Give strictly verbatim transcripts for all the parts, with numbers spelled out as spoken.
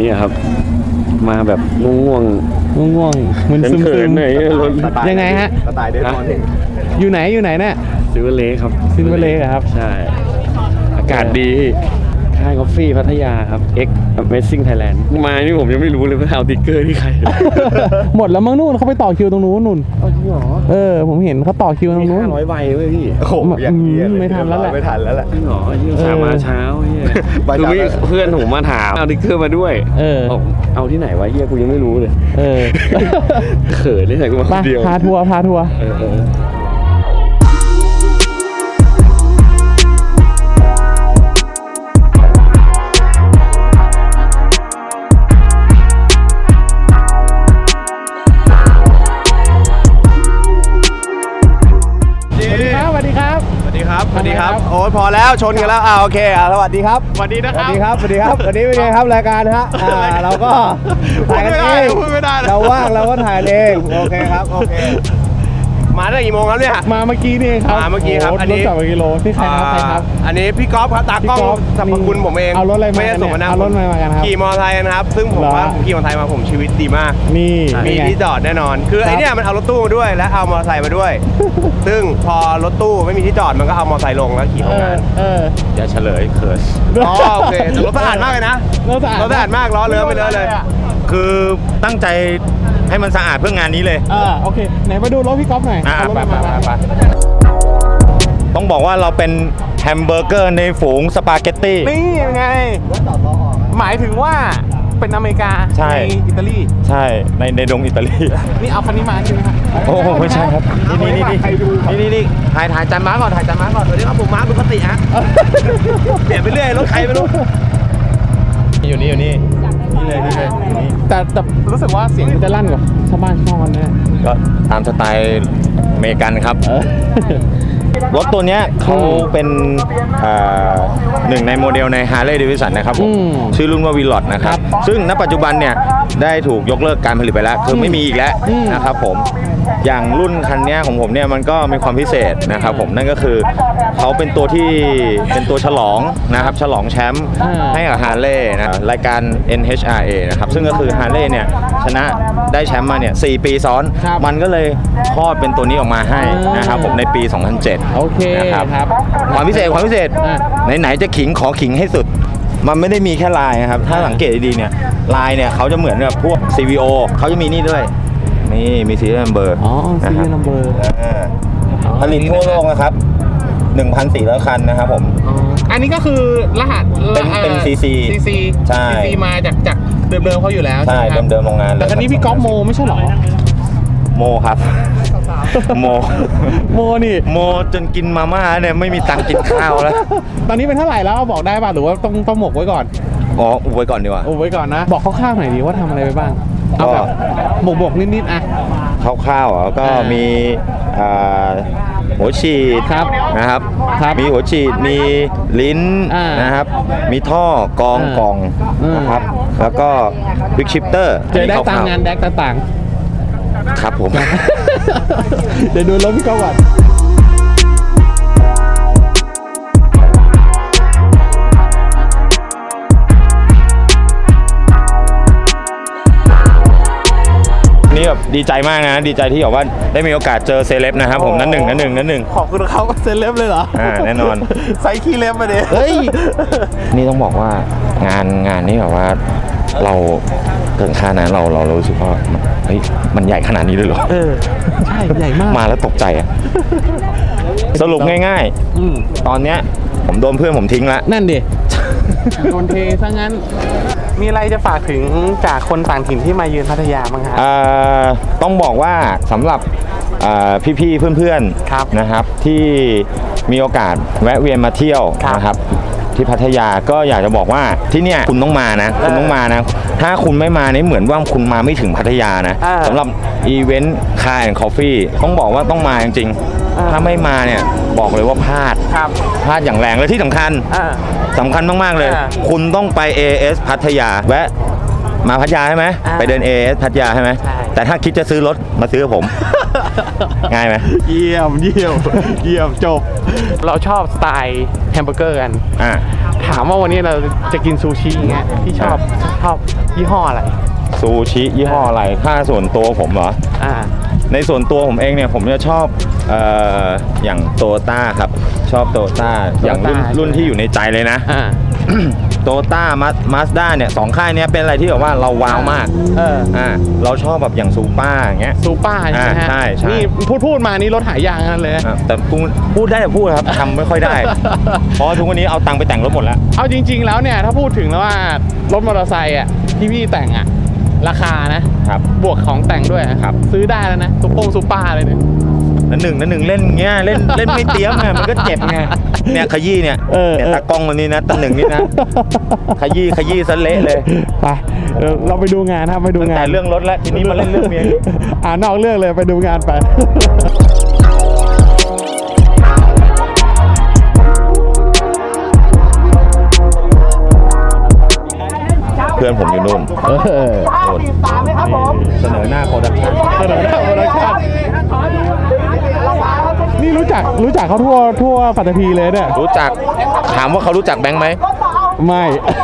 นี้ครับมาแบบง่วงๆง่วงๆมึนซึมเขินๆหน่อยรถยังไงฮะสไตล์เดนมอนด์อยู่ไหนอยู่ไหนเนี่ยซิลเวอร์เลคครับซิลเวอร์เลคครับใช่อากาศดีค่ายกาแฟพัทยาครับ X Amazing Thailand มานี่ผมยังไม่รู้เลยว่าเอาติ๊กเกอร์ที่ใครหมดแล้วมั้งนู่นเขาไปต่อคิวตรงนู้นนู่นเอาจริงเหรอเออผมเห็นเขาต่อคิวตรงนู้นห้าร้อยใบเว้ยพี่โอ้โหอย่างนี้เลยไม่ทันแล้วแหละไม่ทันแล้วแหละจริงเหรอยี่สามมาเช้าเฮียใบคือเช้าไม่เพื่อนผมมาถามเอาติ๊กเกอร์มาด้วยเออบอกเอาที่ไหนวะเฮียกูยังไม่รู้เลยเออเขินเลยใส่กูมาคมานเดียวพาทัวร์พาทัวร์เออเออสวัสดีครับสวัสดีครับ สวัสดีครับสวัสดีครับโอ้ยพอแล้วชนกันแล้วอ่าโอเคอ่าสวัสดีครับสวัสดีนะสควัรัสบดีครับ สวัสดีครับ วันนี้เป็นไงครับรายการฮะอ่าเราก็ถ่ายกันเองพูดไม่ได้นะเราว่างเราก็ถ่ายเองโอเคครับโอเคมาตั้งกี่โมงครับเนี่ยมาเมื่อกี้นี่เองครับมาเมื่อกี้ครับโโหอันนี้รถจักรกิโลนี่ใครครับใครครับอ่าอันนี้พี่ก๊อฟครับตากล้องพี่ก๊อฟสรรพคุณผมเองเอารถอะไรมาไม่ได้ส่งมาเนี่ยนะเอารถอะไรมากันครับขี่มอเตอร์ไซค์นะครับ ซึ่งผมเหรอว่าผมขี่มอเตอร์ไซค์มาผมชีวิตดีมากนี่มีเป็นไงที่จอดแน่นอน คือครับไอเนี่ยมันเอารถตู้มาด้วยและเอามอเตอร์ไซค์มาด้วย ซึ่งพอรถตู้ไม่มีที่จอดมันก็เอามอเตอร์ไซค์ลงแล้วขี่เอเข้างาอน เอออย่าเฉลยเขินอ๋อโอเคแต่รถสะอาดมากเลยนะรถสะอาดรถสะอาดมากล้อเลื้อไปเลยเลยคือตั้งใจให้มันสะอาดเพื่องานนี้เลยเออโอเคไหนมาดูรถพี่ก๊อฟหน่อยอ่ะเอารถไปมาไปมาไป ต้องบอกว่าเราเป็นแฮมเบอร์เกอร์ในฝูงสปาเกตตี้นี่ยังไง หมายถึงว่าเป็นอเมริกาใช่อิตาลีใช่ในในดงอิตาลีนี่เอาคันนี้มาใช่ไหมครับโอ้โหไม่ใช่ครับ นี่นี่นี่ใครดูนี่นี่นี่ถ่ายถ่ายจานม้าก่อนถ่ายจานม้าก่อนสวัสดีครับผมม้าปกติฮะเปลี่ยนไปเรื่อยรถใครไม่รู้อยู่นี่อยู่นี่นี่เลยนี่เลยอยู่นี่แต่แต่รู้สึกว่าเสียงมันจะลั่นกว่าชาวบ้านชาวกันแน่ก็ตามสไตล์อเมริกันครับเออรถตัวเนี้ยเขาเป็นอ่าหนึ่งในโมเดลใน Harley Davidson นะครับผมอืมชื่อรุ่นว่า Willot นะครับ ซึ่งณปัจจุบันเนี่ยได้ถูกยกเลิกการผลิตไปแล้ว คือไม่มีอีกแล้วอืมนะครับผม อย่างรุ่นคันเนี้ยของผมเนี่ยมันก็มีความพิเศษนะครับผม นั่นก็คือเขาเป็นตัวที่เป็นตัวฉลองนะครับ ฉลองแชมป์ให้กับ Harley นะรายการ เอ็น เอช อาร์ เอ นะครับ ซึ่งก็คือ Harley เนี่ยชนะได้แชมป์มาเนี่ยสี่ปีซ้อนครับมันก็เลยคลอดเป็นตัวนี้ออกมาให้นะครับผมในปี สองพันเจ็ดโอเคนะครับครับความพิเศษความพิเศษอ่ะไหนๆจะขิงขอขิงให้สุด มันไม่ได้มีแค่ลายนะครับ ถ้าสังเกตดีๆเนี่ยลายเนี่ยเขาจะเหมือนกับพวก ซี วี โอ เขาจะมีนี่ด้วย นี่มีซีรีส์นัมเบอร์อ๋อซีรีส์นัมเบอร์ผลิตทั่วโลกนะครับ หนึ่งพันสี่ร้อย คันนะครับผมอันนี้ก็คือรหัสเป็นเป็น ซี ซีซีซีใช่ซีซีมาจากจากเดิมๆเขาอยู่แล้วใช่ไหมครับเดิมๆโรงงานเลยแต่คันนี้พี่ก๊อฟโมไม่ใช่เหรอโมครับ โมโมนี่โมจนกินมาม่าเนี่ยไม่มีตังค์กินข้าวแล้วตอนนี้เป็นเท่าไหร่แล้วบอกได้ป่ะหรือว่าต้องต้องหมกไว้ก่อนอ๋ออุบไว้ก่อนดีกว่าอุบไว้ก่อนนะ บอกคร่าวๆหน่อยดีว่าทำอะไรไปบ้างเอาแบบหมกบกๆนิดๆอ่ะคร่าวๆอ่ะก็อ่ามีมีอ่าหัวฉีดครับนะครับครับมีหัวฉีดมีลิ้นอ่านนะครับ มีท่อกองอ่ากล่องอืมนะครับ แล้วก็วิกชิปเตอร์เจอได้ตามงานแดกต่างครับผมๆ เดี๋ยวดูรถพี่ก๊อฟก่อนนี่แบบดีใจมากนะดีใจที่แบบว่าได้มีโอกาสเจอเซเลบนะครับผมนั่นหนึ่งนั่นหนึ่งนั่นหนึ่งขอบคุณเขาก็เซ็นเล็บเลยเหรออ่าแน่นอนใส่ขี้เล็บมาเด้เฮ้ย นี่ต้องบอกว่างานงานนี้แบบว่าเราเกินค่านะเราเราเรารู้สึกว่าเฮ้ยมันใหญ่ขนาดนี้เลยเหรอเออ ใช่ ใหญ่มากมาแล้วตกใจอะสรุปง่ายอืมๆ ตอนเนี้ยผมโดนเพื่อนผมทิ้งละนั่นดิ โดนเทซะงั้น มีอะไรจะฝากถึงจากคนต่างถิ่นที่มาเยือนพัทยาบ้างครับเอ่อต้องบอกว่าสำหรับเอ่อพี่ๆเพื่อนครับๆนะครับที่มีโอกาสแวะเวียนมาเที่ยวครับนะครับที่พัทยาก็อยากจะบอกว่าที่เนี่ยคุณต้องมานะคุณต้องมานะ ถ้าคุณไม่มาเนี่ยเหมือนว่าคุณมาไม่ถึงพัทยานะอ่าสำหรับอีเวนต์คาร์แอนด์คอฟฟี่ต้องบอกว่าต้องมาจริงอ่าๆถ้าไม่มาเนี่ยบอกเลยว่าพลาดครับพลาดอย่างแรงและที่สำคัญอ่าสำคัญมากๆเลยอ่าคุณต้องไป เอ เอส พัทยาแวะมาพัทยาใช่ไหมอ่าไปเดิน เอ เอส พัทยาใช่ไหมใช่แต่ถ้าคิดจะซื้อรถมาซื้อกับผมง่ายไหมเยี่ยมเยี่ยมเยี่ยมจบ เราชอบสไตล์แฮมเบอร์เกอร์กันอ่าถามว่าวันนี้เราจะกินซูชิอย่างเงี้ยที่ชอบชอบยี่ห้ออะไรซูชิยี่ห้ออะไรถ้าส่วนตัวผมเหรออ่าในส่วนตัวผมเองเนี่ยผมจะชอบเอ่ออย่างโตต้าครับชอบโตต้าอย่างรุ่น Toyota รุ่นที่อยู่ในใจเลยนะอ่าโตต้ามาสด้าเนี่ยสองค่ายเนี้ยเป็นอะไรที่แบบว่าเราว้าวมากเอออ่าเราชอบแบบอย่างซูป้าอย่างเงี้ยซูเปอร์ใช่ไหมฮะอ่าใช่ใช่นี่พูดพูดมานี่รถหายางนั่นเลยอ่ะแต่พูดพูดได้แต่พูดครับทำไม่ค่อยได้ เพราะทุกวันนี้เอาตังค์ไปแต่งรถหมดแล้วเอาจริง ๆ แล้วเนี่ยถ้าพูดถึงแล้วว่ารถมอเตอร์ไซค์อ่ะที่พี่แต่งอ่ะราคานะครับ บวกของแต่งด้วยอะครับซื้อได้แล้วนะซุปโปงซุปเปอร์เลยเนี่ยนั่นหนึ่งนั่นหนึ่งเล่นเงี้ยเล่นเล่นไม่เตรี้ยมไงมันก็เจ็บไงเนี่ยขยี้เนี่ยเออเนี่ยเออตากล้องมันนี่นะตันหนึ่งนี่นะขยี้ขยี้ซะเละเลยไปเออเราไปดูงานครับไปดูงานแต่เรื่องรถแล้วทีนี้มาเล่นเรื่องเมียอ่านอกเรื่องเลยไปดูงานไปเพื่อนผมอยู่นู่นเออนู่นเสนอหน้าโปรดักชั่นเสนอหน้าโปรดักชั่นนี่รู้จักรู้จักเขาทั่วทั่วปัตตภีเลยเนี่ยรู้จักถามว่าเขารู้จักแบงค์ไหมไม่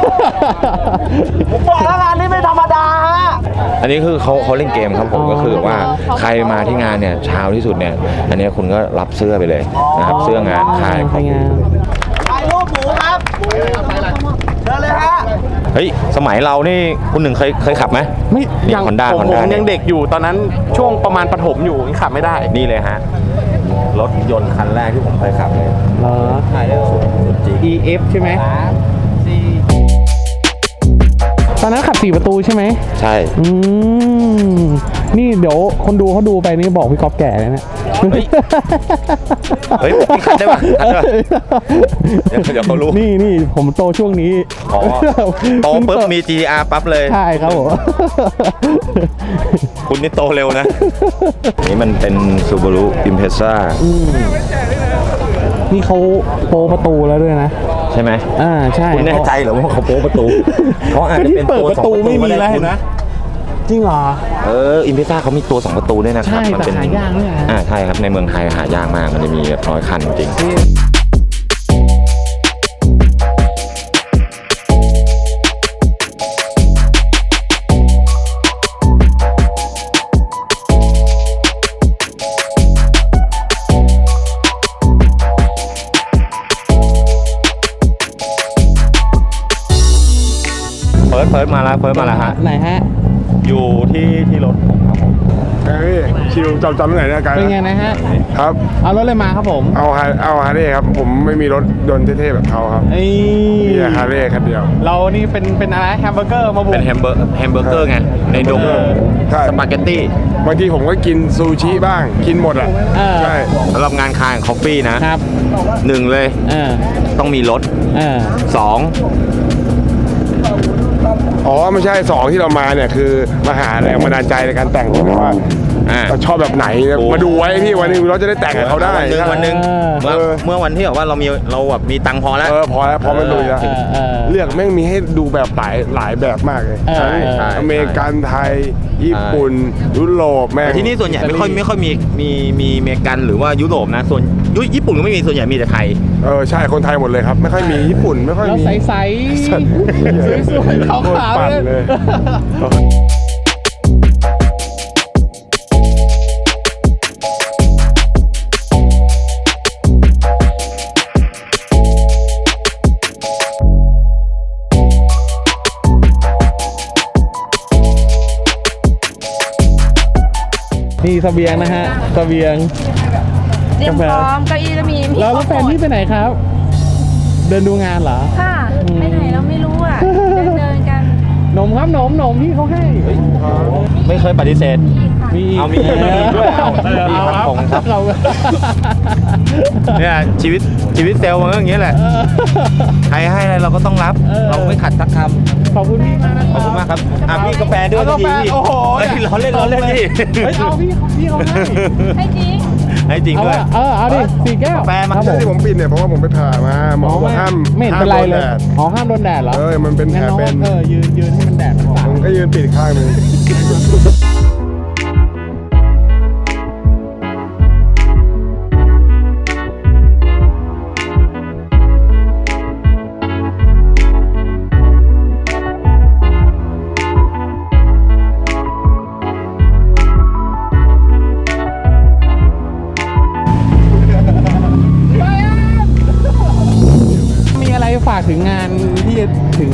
บอกแล้วงานนี้ไม่ธรรมดาฮะอันนี้คือเขาเขาเล่นเกมครับผมก็คือว่าใครมาที่งานเนี่ยเช้าที่สุดเนี่ยอันนี้คุณก็รับเสื้อไปเลยนะครับเสื้องานขายไปงานถ่ายรูปหมูครับเชิญเลยฮะเฮ้ยสมัยเรานี่คุณหนึ่งเคยเคยขับไหมไม่นี่ยัง Honda ผม Honda ผมยังเด็กอยู่ตอนนั้นช่วงประมาณประถมอยู่ยังขับไม่ได้นี่เลยฮะรถยนต์คันแรกที่ผมเคยขับเลยเหรอถ่ายได้สุดสุดจริงอี เอฟ ใช่ไหมตอนนั้นขับสี่ประตูใช่ไหมใช่อืมนี่เดี๋ยวคนดูเขาดูไปนี่บอกพี่ก๊อฟแก่เลยนะเฮ้ยพี่คัดได้ป่ะคัดได้ป่ะ เดี๋ยวเดี๋ยวเขารู้นี่นี่ผมโตช่วงนี้อ๋อโตปุ๊บมี จี อาร์ ปั๊บเลยใช่ครับผมคุณนี่โตเร็วนะ นี่มันเป็น Subaru Impreza อืมนี่เขาโปรประตูแล้วด้วยนะใช่ไหมอ่าใช่คุณแน่ใจเหรอว่าเขาโป๊ประตู เขาอาจจะเป็นเปิดตัวประสองตูประตูไม่มีก็ด้แล้วเห็นนะจริงเหรอเอออิมเพซ่าเขามีตัวสองประตูด้วยนะครับใช่มัแต่เป็นหายากด้วยนะอ่าใช่ครับในเมืองไทยหายากมากมันจะมีแบบน้อยคันจริงเฟิร์สเฟิร์สมาแล้วเฟิร์สมาแล้วฮะไหนฮะอยู่ที่ที่รถผมครับผมเฮ้ยชิวจำจำที่ไหนเนี่ยไกลเป็นไงนะฮะครับเอารถเลยมาครับผมเอาฮาเอาฮาร์เลย์ครับ ผมไม่มีรถยนต์เท่ๆแบบเขาครับไอ้มีแต่ฮาร์เลย์คันเดียวเรานี่เป็นเป็นอะไรแฮมเบอร์เกอร์มาบุกเป็นแฮมเบอร์แฮมเบอร์เกอร์ไงในดงใช่สปาเกตตี้บางทีผมก็กินซูชิบ้าง กินหมดอ่ะเออใช่สำหรับงานคายของคอฟฟี่นะครับ หนึ่งเลยเออต้องมีรถเออสองอ๋อ ไม่ใช่สองที่เรามาเนี่ย คือมาหาแรงบันดาลใจในการแต่งผมว่าอ่าเราชอบแบบไหนโอ้มาดูไว้พี่วันหนึงเราจะได้แต่งกับเขาได้วันหนึ่งวันหนึ่งเออเมื่อเออเมื่อวันที่แบบว่าเรามีเราแบบมีตังค์พอแล้วเออพอแล้วพอมันลุยแล้วเออเออเลือกแม่งมีให้ดูแบบหลายหลายแบบมากเลยเออใช่ใช่อเมริกันไทย ญี่ปุ่น ยุโรปแม่งแต่ที่นี่ส่วนใหญ่ไม่ค่อยไม่ค่อยมีมีมีอเมริกันหรือว่ายุโรปนะส่วนยุญี่ปุ่นก็ไม่มีส่วนใหญ่มีแต่ไทยเออใช่คนไทยหมดเลยครับ ไม่ค่อยมีญี่ปุ่นไม่ค่อยแล้วมีใสๆสัตว์สวยๆขาวโคตรปั่นๆเลยนี่เสบียงนะฮะเสบียงเตรียมพร้อมเก้าอี้แล้วมีมีแล้วแล้วแฟนพี่ไปไหนครับ เดินดูงานเหรอค่ะอืมไปไหนเราไม่รู้อ่ะ เดินเดินกันนมครับนมนมพี่เขาให้ไม่เคยปฏิเสธมีเอามีมีด้วยเอามีครับผมครับเราเนี่ยชีวิตชีวิตเซลล์มันก็อย่างนี้แหละ ใครให้อะไรเราก็ต้องรับเออเราไม่ขัดสักคำขอบคุณพี่มากนะขอบคุณมากครับอ่ะพี่กาแฟด้วยเอากาแฟพี่โอ้โหเฮ้ยเราเล่นเราเล่นพี่เฮ้ยเอาพี่พี่เขาให้ให้จริงให้จริงเอาด้วยอะเออเอาดิสี่แก้วกาแฟมาครับผที่ผมปิดเนี่ยเพราะว่าผมไปผ่ามาหมอบอกห้ามไม่เห็นเป็นไรเลยห้ามโดนแดดอ๋อห้ามโดนแดดเหรอเออมันเป็นแผลงั้องเป็นเออยืนยืนให้มันแดดมันสาดผมก็ยืนปิดข้างหนึง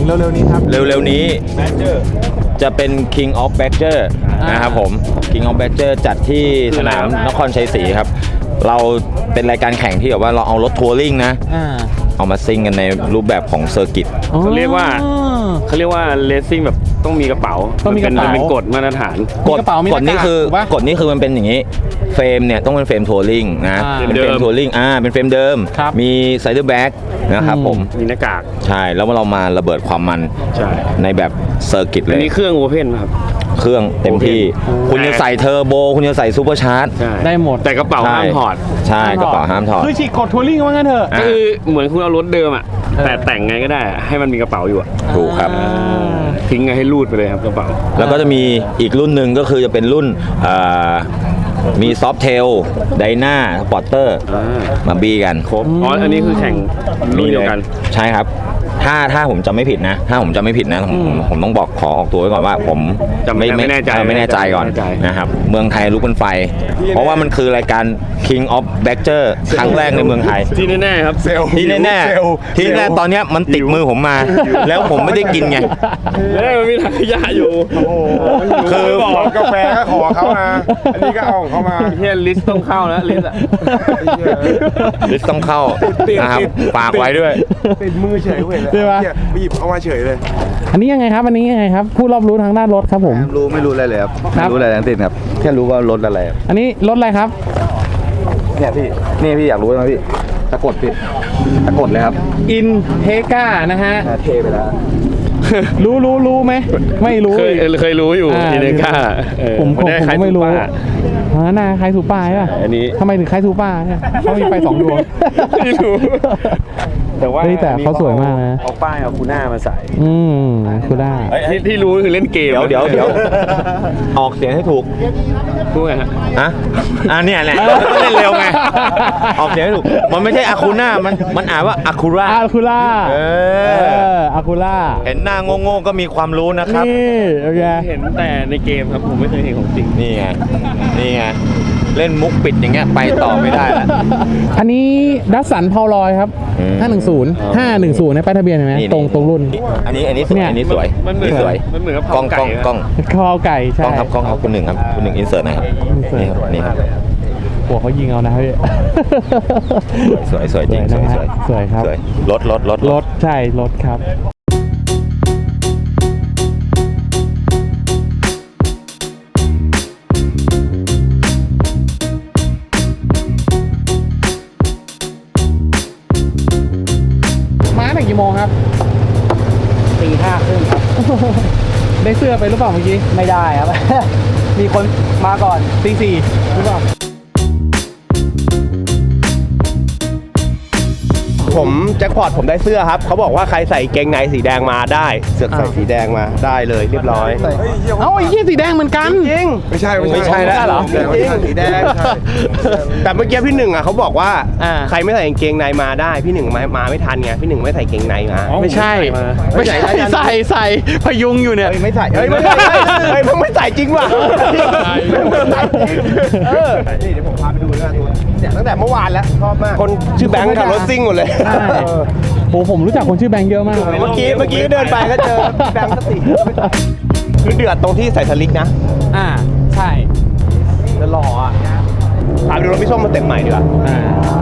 เร็วๆนี้ครับเร็วๆนี้จะเป็น King of Badger นะครับผม King of Badger จัดที่สนามนครชัยศรีครับ เราเป็นรายการแข่งที่แบบว่าเราเอารถทัวริงนะอ่าเอามาซิ่งกันในรูปแบบของเซอร์กิตเขาเรียกว่าเขาเรียกว่าเลสซิ่งแบบต้องมีกระเป๋าต้องมีกระเป๋านเป็นกฎมาตรฐานกฎมีกระเป๋ามีกฎนี้คือหน้ากากถูกปะกฎนี้คือมันเป็นอย่างนี้เฟรมเนี่ยต้องเป็นเฟรมทัวริงนะอ่าเป็นเฟรมเดิมทัวริงอ่าเป็นเฟรมเดิมครับมีไซเดอร์แบ็กนะครับผมมีหน้ากากใช่แล้วเรามาระเบิดความมันใช่ในแบบเซอร์กิตเลอันยนี้เครื่องโอเพนครับเครื่องเต็มที่ คุณจะใส่เทอร์โบ คุณจะใส่ซูเปอร์ชาร์จใช่ได้หมดแต่กระเป๋าห้ามถอดใช่กระเป๋าห้ามถอดคือฉีกกดทัวริงว่างั้นเถอะอ่ะก็คือเหมือนคุณเอารถเดิมอ่ะเออแต่แต่งไงก็ได้อะให้มันมีกระเป๋าอยู่อะถูกครับทิ้งไงให้รูดไปเลยครับกระเป๋าแล้วก็จะมีอีกรุ่นหนึ่งก็คือจะเป็นรุ่นเอ่อมีซอฟเทลไดนาสปอร์เตอร์อ่ามาบี้กันครบอ๋ออันนี้คือแข่งรุ่นเดียวกันใช่ครับ ถ้าถ้าผมจำไม่ผิดนะ ถ้าผมจำไม่ผิดนะผมผมผมต้องบอกขอออกตัวไว้ก่อนว่า ผมจำไม่ไม่แน่ใจเออไม่แน่ใจก่อนไม่แน่ใจนะครับ เมืองไทยลุกเป็นไฟ เพราะว่ามันคือรายการ King of Badger ครั้งแรกในเมืองไทยที่แน่ๆครับเซลล์ที่แน่เซลล์ๆที่แน่ๆตอนเนี้ยมันติดมือผมมา แล้วผมไม่ได้กินไงแล้วมันมีถังขยะอยู่คือบอกกาแฟก็ขอเขามา อันนี้ก็เอาของเขามาเฮียลิสต์ต้องเข้าแล้วลิสต์อะลิสต์ต้องเข้านะครับฝากไว้ด้วยติดมือเฉยเว้ยเลยใช่ปะเนี่ยไปหยิบเอามาเฉยเลยอันนี้ยังไงครับอันนี้ยังไงครับผู้รอบรู้ทางด้านรถครับผมรู้ไม่รู้อะไรเลยครับครับไม่รู้อะไรทั้งสิ้นครับ แค่รู้ว่ารถอะไรครับอันนี้รถอะไรครับเนี่ยพี่ นี่พี่อยากรู้ไหมพี่ตะกดพี่ตะกดเลยครับอินเทกานะฮะเทไปแล้วรู้รู้รู้ไหมไม่รู้เคยอีกเคยรู้อยู่อ่าทีเนก้าเออผมผมนด้ผมคล้ายก็ไม่รู้ซูเปออ๋อหน้าคล้ายซูป้าใช่ป่ะอันนี้ทำไมถึงคล้ายซูป้าเนี่ยเขามีไฟสองดวงไม่รู้ แต่ว่าเฮ้ยแต่เขาสวยมากนะเอาป้ายเอาคูน่ามาใส่อืมคือได้ที่ที่รู้คือเล่นเกมเดี๋ยวเดี๋ยวเดี๋ยวออกเสียงให้ถูกพูดไงฮะอะอ่ะเนี่ยแหละก็เล่นเร็วไง ออกเสียงให้ถูก มันไม่ใช่อาคูน่ามันมันอ่านว่าอาคูร่าอาคูล่าเอเออออาคูล่าเห็นหน้าโง่ๆก็มีความรู้นะครับนี่โอเคเห็นแต่ในเกมครับผมไม่เคยเห็นของจริงนี่ไง นี่ไง เล่นมุกปิดอย่างเงี้ยไปต่อไม่ได้แล้วอันนี้ดัสสันพาวลอยครับอืมห้าหนึ่งศูนย์ ห้าหนึ่งศูนย์ในป้ายทะเบียนเห็นไหมนี่ตรงตรงรุ่นอันนี้อันนี้สวยเนี่ยอันนี้สวยมันเหมือนนี่สวยมันเหมือนกับกล้องเผากล้องไก่กล้องคอไก่กใช่ล้องครับกล้องครับคุณหนึ่งครับคุณหนึ่งอินเสิร์ตหน่อยครับ insert นี่ครับนี่ครับหัวเขายิงเอานะพี่สวยสวยจริงสสววย ยนะสฮะวยสวยครับสวยรถรถรถรถใช่รถครับ มาตั้งแต่กี่โมงครับตีห้าครึ่งครับได้เสื้อไปหรือเปล่าเมื่อกี้ไม่ได้ครับ มีคนมาก่อนตีสี่หรือเปล่าผมแจ็คพอตผมได้เสื้อครับ เขาบอกว่าใครใส่เกงในสีแดงมาได้ เสือกใส่สีแดงมาได้เลยเรียบร้อยเอ้าไอ้ยี่สีแดงเหมือนกันจริงไม่ใช่ไม่ใช่แล้วเหรอจริงสีแดงใช่แต่เมื่อกี้พี่หนึ่งอ่ะเขาบอกว่าอ่าใครไม่ใส่กางเกงในมาได้ พี่หนึ่งมามาไม่ทันไงพี่หนึ่งไม่ใส่เกงในมาไม่ใช่ ไม่ใช่ใส่ใส่พยุงอยู่เนี่ยไม่ใส่เฮ้ยไม่ใส่เฮ้ยมึงไม่ใส่จริงว่ะเออนี่เดี๋ยวผมพาไปดูด้วยตัวเนี่ยตั้งแต่เมื่อวานแล้วชอบมากคนชื่อแบงค์ขับรถซิ่งหมดเลยใช่โอ้ผมรู้จักคนชื่อแบงค์เยอะมากเมื่อกี้เมื่อกี้เดินไปก็เจอแบงค์สติคือเดือดตรงที่ใส่สลิกนะอ่า ใช่แล้วหล่ออ่ะพาไปดูรถพี่ส้มมาเต็มใหม่ดีกว่าอ่า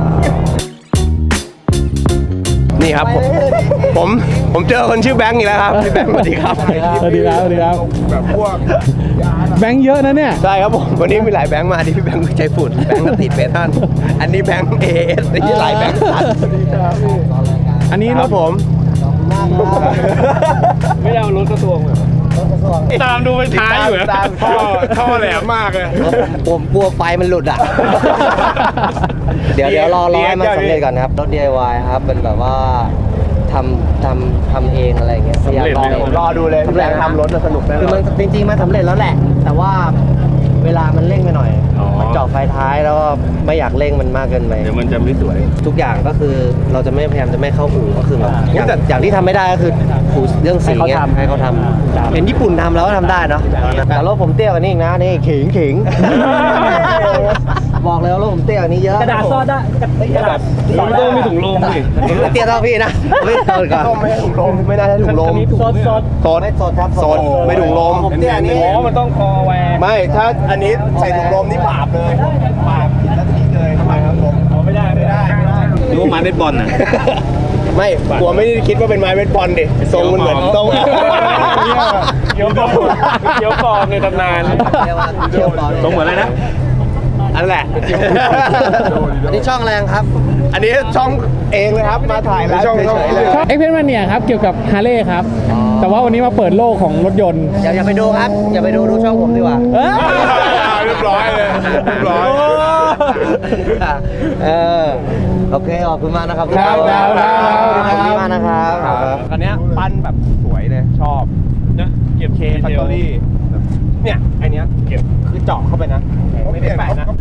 นี่ครับผมผมผมเจอคนชื่อแบงค์อีกแล้วครับพี่แบงค์สวัสดีครับสวัสดีครับสวัสดีครับแบบพวกแบงค์เยอะนะเนี่ยใช่ครับผมวันนี้มีหลายแบงค์มาที่พี่แบงค์ใช้ฝุ่นแบงค์ก็ติดเมทัลอันนี้แบงค์เอเอสที่หลายแบงค์ตัดอันนี้ครรัถบผมไม่เอารถกระทรวงเหรอตามดูไปท้ายอยู่นะตามท่อท่อแหลมมากเลยผมกลัวไฟมันหลุดอ่ะ เดี๋ยวเดี๋ยวรอรอให้มันสำเร็จก่อนครับ รถ ดี ไอ วาย ครับ เป็นแบบว่าทำทำทำเองอะไรอย่างเงี้ยพยายามลองเองรอดูเลยพี่แบงค์ทำรถสนุกแน่คือนอมัน นจริงๆมันสำเร็จแล้วแหละ แต่ว่าเวลามันเร่งไปหน่อย มันเจาะไฟท้ายแล้วก็ไม่อยากเร่งมันมากเกินไปเดี๋ยวมันจะไม่สวยทุกอย่างก็คือเราจะไม่พยายามจะไม่เข้าอู่ก็คือแบบอย่างอย่างที่ทำไม่ได้ก็คืออู่เรื่องสีเงี้ยให้เขาทำเห็นญี่ปุ่นทำแล้วก็ทำได้เนาะแต่รถผมเตี้ยกว่านี้อีกนะนี่ขิงขิงบอกเลยว่ารถผมเตี้ยกว่านี้เยอะกระดาษซอดได้กระดาษผมต้องมีถุงลมดิเตี้ยเท่าพี่นะไม่โดนก่อนต้องไม่ให้ถุงลมไม่ได้ให้ถุงลมซดซดโซนไม่ซดครับโซนไม่ถุงลมผมเตี้ยนี่อ๋อมันต้องคอแหวกไม่ถ้าอันนี้ใส่ถุงลมนี่บาปเลยบาปผิดนาทีเลยทำไมครับผมไม่ได้ไม่ได้ไม่ได้ดูว่าไม้เบสบอลน่ะไม่กลัวไม่ได้คิดว่าเป็นไม้เบสบอลดิทรงมันเหมือนทรงเดี๋ยวก่อนเดี๋ยวก่อนในตำนานเรียกว่าเชี่ยวบอลตรงเหมือนอะไรนะอันแหละอันนี้ช่องแรงครับอันนี้ช่องเองเลยครับมาถ่ายแล้วเฉยๆเลยเอ็กเพนมาเนี่ยครับเกี่ยวกับฮาร์เลย์ครับ แต่ว่าวันนี้มาเปิดโลกของรถยนต์อย่าอย่าไปดูครับ อย่าไปดูดูช่องผมดีกว่าเอ้ยเรียบร้อยเลยเรียบร้อยเออโอเคขอบคุณมากนะครับครับครับครับขอบคุณมากนะครับอันเนี้ยปั้นแบบสวยเลยชอบนะเก็บเคเคแฟคทอรี่เนี่ยไอเนี้ยเก็บคือเจาะเข้าไปนะ ไม่ได้แปะนะ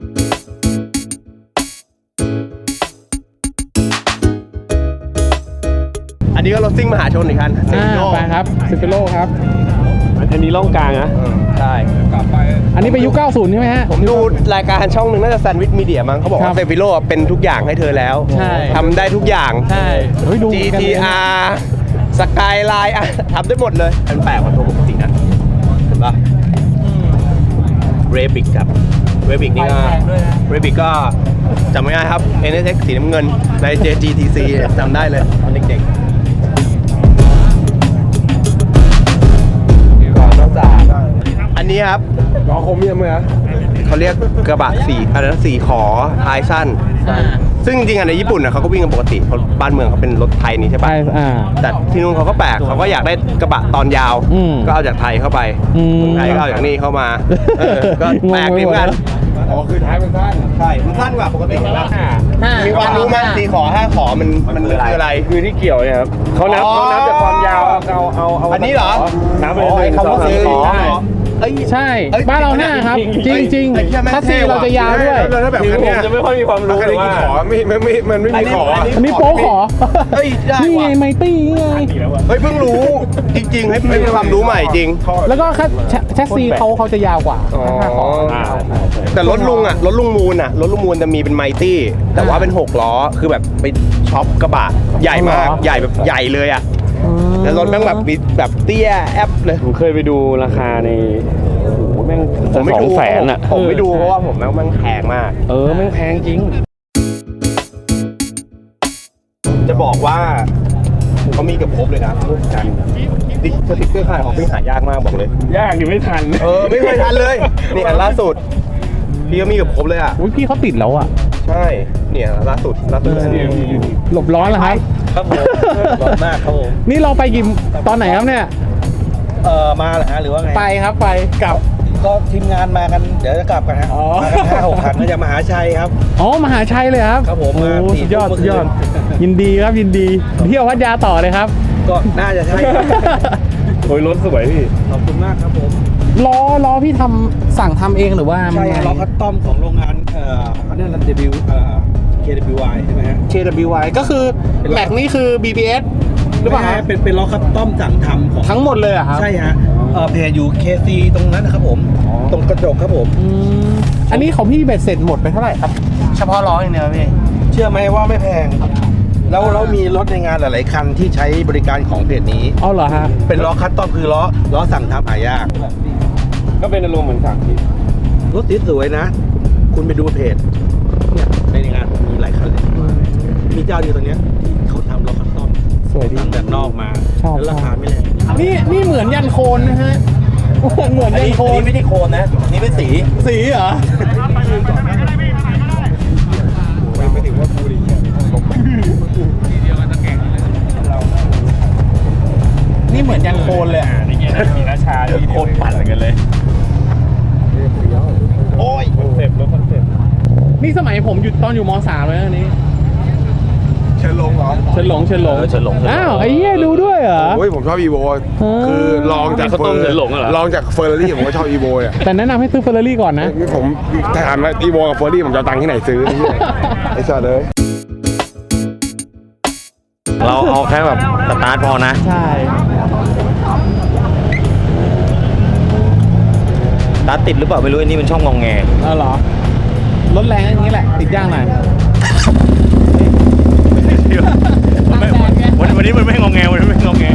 อันนี้ก็รถซิ่งมหาชนอีกคันอ่าไปครับซิปิโลครับอันนี้ร่องกลางนะใช่อันนี้ไปยุคเก้าสิบใช่ไหมฮะผมดูรายการช่องหนึ่งน่าจะแซนด์วิชมีเดียมั้งเขาบอกครัว่าบเซฟิโลเป็นทุกอย่างให้เธอแล้วใช่ทำได้ทุกอย่างใช่เฮ้ยดูกันเลยจี ที อาร์ สกายไลน์อะทำได้หมดเลยมันแปลกกว่าตัวปกตินะเห็นปะเรบิกครับเรบิกนี่ก็เรบิกก็จำไม่ได้ครับ เอ็น เอส เอ็กซ์ สีน้ำเงินใน เจ จี ที ซี จำได้เลยตอนเด็กๆก่อนนอกจากอันนี้ครับล้อคมยังไหมฮะเขาเรียกกระบะสี่อะไรนะสี่ขอท้ายสั้น ซึ่งจริงๆอะในญี่ปุ่นอะเขาก็วิ่งกันปกติเพราะบ้านเมืองเขาเป็นรถไทยนี่ใช่ไปปะอ่าแต่ที่นู่นเขาก็แปลกเขาก็อยากได้กระบะตอนยาวอืมก็เอาจากไทยเข้าไปอืมเมืองไทยก็เอาจากนี่เข้ามาเออก็แปลกดีเหมือนกันอ๋อคือท้ายมันสั้นใช่มันสั้นกว่าปกตินะห้ามีความรู้ไหมสี่ขอห้าขอมันมันคืออะไรคือที่เกี่ยวเนี่ยครับเขานับอ๋อเขานับจากความยาวเอาเอาเอาอันนี้เหรอนับไปอ๋อเลยไอ้คำว่าสี่ขอใช่เอ้ยใช่เอ้ยบ้านเราห้าครับ จริงจริงไอ้เหี้ยแม่งคัสซีเท่ว่ะเราจะยาวด้วยแล้วถ้าแบบคือคันผเนี้มยจะไม่ค่อยมีความรู้คันเลยนี้ว่ากี่ขอไม่ไม่ไม่มันไม่มีขออันนี้โป๊ขอเฮ้ยได้นี่ไงว่ะไมตี้ไงเฮ้ยเพิ่งรู้จริงๆให้เป็นความรู้ใหม่จริงแล้วก็คัสแชสซีเขาเขาจะยาวกว่าห้าขออ่าแต่รถลุงอ่ะรถลุงมูลอ่ะรถลุงมูลจะมีเป็นไมตี้แต่ว่าเป็นหกล้อคือแบบไปช็อปกระบะใหญ่มากอ๋อเหรอใหญ่แบบใหญ่เลยอ่ะแล้วรถแม่งแบบมีแบบเตี้ยแอปเลยผมเคยไปดูราคาในโอ้โหแม่งผมไม่สอดูงแสนอ่ะผมไม่ดูเพราะว่าผมแม่งแม่งแพงมากเออแม่งแพงจริงจะบอกว่าเขามีเกับครบเลยนะพวกกันดิสติ๊กเกอร์ขายของพี่หายากมากบอกเลยยากอยู่ไม่ทันเออไม่เคยทันเลยนี่อันล่าสุดพี่ก็มีเกับครบเลยอ่ะอุ้ยพี่เขาติดแล้วอ่ะใช่เนี่ยล่าสุดล่าสุดอันนี้หลบร้อนเหรอครับครับผมร้อนมากครับผมนี่เราไปกี่ตอนไหนครับเนี่ยเอ่อมาเหรอฮะหรือว่าไงไปครับไปกลับก็ทีมงานมากัน เดี๋ยวจะกลับกันฮะอ๋อมากันห้าหกคันก็จะมหาชัยครับอ๋อมหาชัยเลยครับครับผมโอ้มาสี่สุดยอดทุ่มสุดยอดเมื่อคืนยินดีครับยินดีเที่ยวพัทยาต่อเลยครับก็น่าจะใช่ครับโอ้ยรถสวยพี่ขอบคุณมากครับผมล้อล้อพี่ทำสั่งทำเองหรือว่ามันใช่ไงล้อคัสตอมของโรงงานเอ่อเขาเรียกอะไร W เอ่อ เค ดับเบิลยู วาย ใช่ไหมฮะเค ดับเบิลยู วาย ก็คือแม็กนี่คือ บี บี เอส หรือเปล่าไม่ฮะฮะเป็นเป็นล้อคัสตอมสั่งทำของทั้งหมดเลยเหรอะครับใช่ฮะเอ่อเพจอยู่ เค ซี ตรงนั้นนะครับผม ตรงกระจกครับผมอืมอันนี้ของพี่เบ็ดเสร็จหมดไปเท่าไหร่ครับ เฉพาะล้ออย่างเดียวพี่เชื่อไหมว่าไม่แพง แล้วเรามีรถในงานหลาย ๆ คันที่ใช้บริการของเพจนี้เอาเหรอฮะเป็นล้อคัสตอมคือล้อล้อสั่งทำหายากก็เป็นอารมณ์เหมือนสั่งพี่รถสวยๆนะ คุณไปดูเพจเนี่ยในงานผมมีหลายคันเลย มีเจ้าเดียวตัวเนี้ยที่เขาทำล้อคัสตอมสวยดีสั่งจากนอกมาชอบแล้วราคาไม่แรงนี่นี่เหมือนยันโคนนะฮะ เหมือนยันโคนไม่ได้โคนนะ นี่เป็นสีสีเหรอ นี่เหมือนยันโคนเลยอ่ะนี่มีราชามีโคตรปั่นกันเลยโอ้ยคอนเซ็ปต์รถคอนเซ็ปต์นี่สมัยผมอยู่ตอนอยู่มสามเลยนะอันนี้เชิญลงเหรอเฉินหลงเฉินหลงเออเฉินหลงเฉินหลงอ้าวไอ้เหี้ยดูด้วยเหรอโอ้ยผมชอบอีโวอ๋อคือลองจากเขาต้มเฉินหลงเหรอลองจากเฟอร์รารี่ผมก็ชอบอีโวอ่ะแต่แนะนำให้ซื้อเฟอร์รารี่ก่อนนะนี่ผมถามว่าอีโวกับเฟอร์รารี่ผมจะเอาตังค์ที่ไหนซื้อไอ้เหี้ยไอ้สัตว์เลยเราเอาแค่แบบสตาร์ทพอนะใช่สตาร์ทติดหรือเปล่าไม่รู้อันนี้เป็นช่องงองแงเอาเหรอรถแรงอย่างนี้แหละติดยากหน่อยวันวันนี้มันไม่งงแงวันนี้ไม่งงแง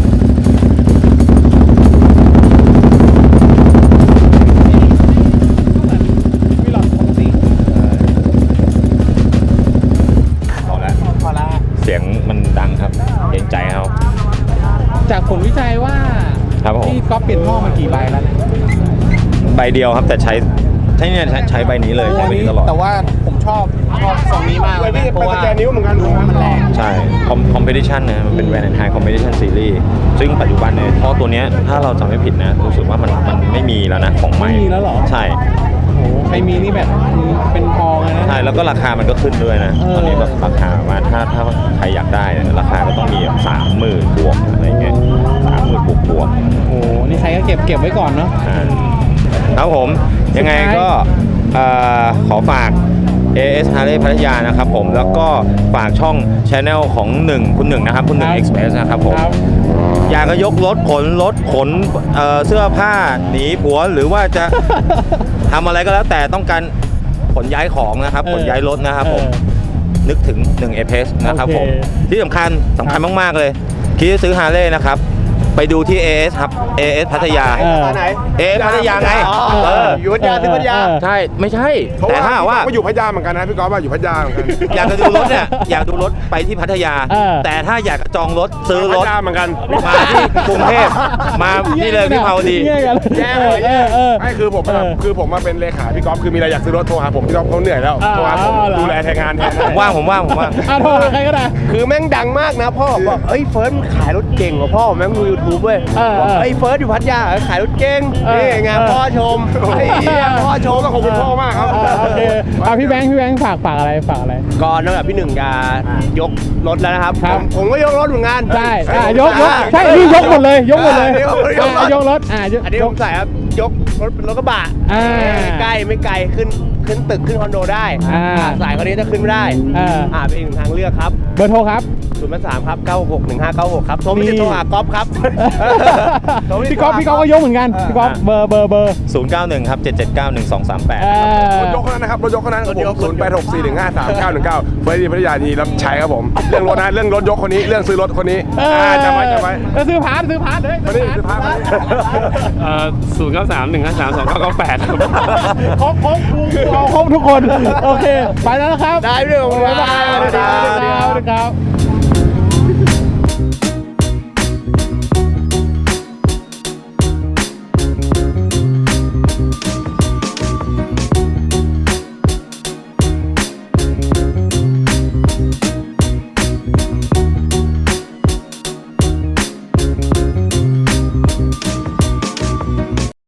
พอแล้วพอละเสียงมันดังครับเกรงใจเขาจากผลวิจัยว่าครับผมที่ก๊อฟเปลี่ยนหม้อมากี่ใบแล้วเนี่ยใบเดียวครับแต่ใช้ใช้เนี่ยใช้ใช้ใบนี้เลยใช้ใบนี้ตลอดแต่ว่าผมชอบชอบทรงนี้มากเลยนะเพราะว่าแกนิ้วเหมือนกันมันแรงใช่คอมเพติชันนะมันเป็นแวนแอนไฮคอมเพติชันซีรีส์ซึ่งปัจจุบันเนี่ยท่อตัวเนี้ยถ้าเราจำไม่ผิดนะรู้สึกว่ามันมันไม่มีแล้วนะของใหม่ไม่มีแล้วเหรอใช่โอ้โหใครมีนี่แบบเป็นทองเลยนะใช่แล้วก็ราคามันก็ขึ้นด้วยนะเออตอนนี้แบบราคามาถ้าถ้าใครอยากได้เนี่ยราคาก็ต้องมีแบบสามหมื่นบวกอะไรเงี้ยสามหมื่นบวกบวกโอ้โหนี่ใครก็เก็บเก็บไว้ก่อนเนาะอ่าครับผมยังไงก็เอ่อขอฝาก เอ เอส Harley พัทยานะครับผมแล้วก็ฝากช่อง Channel ของหนึ่งคุณหนึ่งนะครับคุณหนึ่ง Express นะครับผมครับอยากจะยกรถขนรถขนเอ่อเสื้อผ้าหนีผัวหรือว่าจะทำอะไรก็แล้วแต่ต้องการขนย้ายของนะครับเออขนย้ายรถนะครับผมเออนึกถึงหนึ่ง เอ พี เอส นะครับโอเคผมที่สำคัญสำคัญมากๆเลยคิดจะซื้อ Harley นะครับไปดูที่ เอ เอส ครับ เอ เอส พัทยาเออไหนเอ เอส พัทยาไงเอออยู่พัทยาที่พัทยาเออใช่ไม่ใช่เพราะแต่ว่าถ้าหากว่าก็อยู่พัทยาเหมือนกันนะพี่ก๊อฟว่าอยู่พัทยาเหมือนกันอยากจะดูรถเนี่ยอยากดูรถไปที่พัทยาเออแต่ถ้าอยากจะจองรถซื้อรพัถทยาเหมือนกันมาที่กรุงเทพมานี่เลยพี่เผาดีแย่กันแย่เลยเออเออไม่คือผมแบบเออคือผมมาเป็นเลขาพี่ก๊อฟคือมีอะไรอยากซื้อรถโทรหาผมพี่ก๊อฟเขาเหนื่อยแล้วอ่าโทรหาผมเหรอดูแลแทนงานแทนผมว่างผมว่างผมว่างอ่ะโทรหาใครก็ได้คือแม่งดังมากนะพ่อบอกเอ้ยเฟิร์สมันขายรถเก่งกว่าพ่อแม่งดูยูทูบเว้ยเออบอกเออเอ้ยเฟิร์สอยู่พัทยาเออขายรถเก่งเออนี่ไงเออพ่อชมไอ้เหี้ยพ่อชมต้องขอบคุณพ่อมากครับเออโอเคอ่ะพี่แบงค์พี่แบงค์ฝากฝากอะไรฝากอะไรก่อนนอกจากพี่หนึ่งจะยกรถแล้วนะครับครับผมผมก็ยกรถเหมือนกันใช่อ่ะยกยกใช่นี่ยกหมดเลยยกหมดเลยอ่ะยกรถอ่ะยกรถอ่ะยกอันนี้ยผกมใส่ครับยกรถเป็นรถกระบะอ่าไม่ใกล้ไม่ไกลขึ้นขึ้นตึกขึ้นคอนโดได้อ่าสายคนนี้จะขึ้นไม่ได้อ่าอ่าเป็นอีกหนึ่งทางเลือกครับเบอร์โทรครับศูนย์สามครับเก้าหกหนึ่งห้าเก้าหกครับโทรไม่นี่ได้โทรหาก๊อฟครับพี่ก๊อฟพี่ก๊อฟก็ยกเหมือนกันพี่ก๊อฟเบอร์เบอร์เบอร์ศูนย์เก้าหนึ่งครับเจ็ดเจ็ดเก้าหนึ่งสองสามแปดเออรถยกเท่านั้นนะครับรถยกเท่านั้นผมศูนย์แปดหกสี่หนึ่งห้าสามเก้าหนึ่งเก้าเฟิร์สที่พัทยานีรับใช้ครับผมเรื่องรถนะเรื่องรถยกคนนี้เรื่องซื้อรถคนนี้เอออ่าจำไว้จำไว้แล้วซื้อพาร์ทซื้อพาร์ทเลยคนนี้ซื้อพาร์ทมานี่เอ่อศูนย์เก้าสามหนึ่งห้าสามสองเก้าเก้าแปดครับครบครบกูเอาครบทุกคน โอเค ไปแล้วนะครับได้เรื่องของบ๊ายบายสวัสดีครับสวัสดีครับ